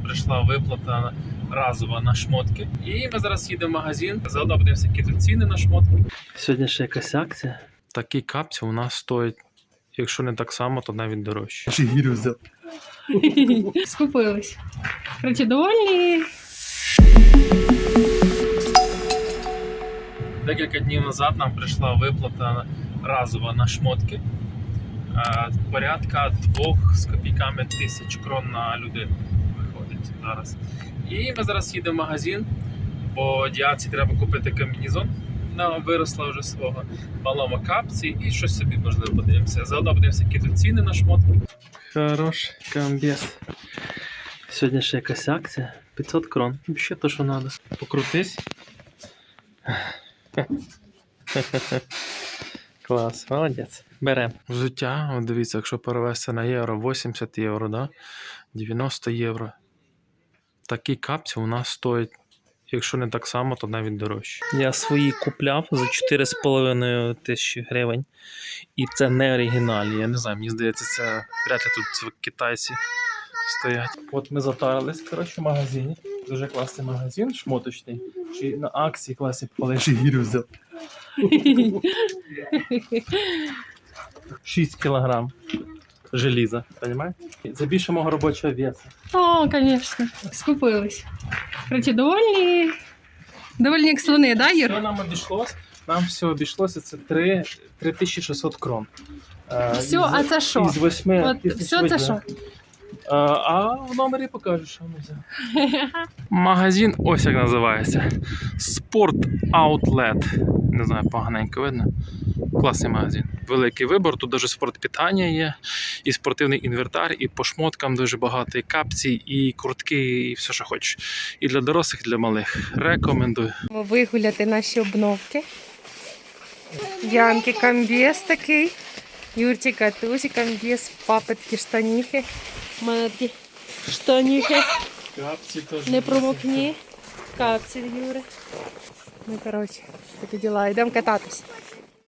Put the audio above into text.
прийшла виплата разова на шмотки. І ми зараз їдемо в магазин, заодно подивимося, які тут ціни на шмотки. Сьогодні ще якась акція. Такий капці у нас стоїть, якщо не так само, то навіть дорожче. Гірю взяв. Скупились. Короче, довольні. Декілька днів назад нам прийшла виплата разова на шмотки. Порядка 2 з копійками тисяч крон на людину виходить зараз. І ми зараз їдемо в магазин, бо Діаці треба купити комбінезон. Вона виросла вже свого, малому капці і щось собі можливо подивимося. Заодно подивимося, які тут ціни на шмотки. Хорош комбез. Сьогодні ще якась акція. 500 крон. Ще то, що треба. Покрутись. Клас, молодець. Беремо. Взуття, от дивіться, якщо перевести на євро, 80 євро, да? 90 євро. Такі капці у нас стоять, якщо не так само, то навіть дорожче. Я свої купляв за 4,5 тисячі гривень. І це не оригінальні. Я не знаю, мені здається, це вряд ли тут китайці стоять. От ми затарились, коротше, в магазині. Дуже класний магазин, шмоточний. Чи на акції класні попали. Гірю взяв. 6 кілограм желіза, розумієте? Це більше мого робочого весу. О, конечно. Скупились. Короче, довольні. Довольні як слони, да, Що Юр? нам обійшлось? Нам все обійшлося, це 3600 крон. Все, а це що? Із 8 От, все це що? А в номері покажу, що ми взяли. Магазин ось як називається. Sport Outlet. Не знаю, поганенько видно. Класний магазин. Великий вибір, тут навіть спортпитання є, і спортивний інвентар, і по шмоткам дуже багато, і капці, і куртки, і все, що хочеш. І для дорослих, і для малих. Рекомендую. Вигуляти наші обновки. Янки комбез такий. Юрчика тузі комбез, папетки, штаніхи. У мене такі штаніхи. Капці теж. Не промокні. Капці, Юри. Ну, коротше, такі діла. Йдемо кататись.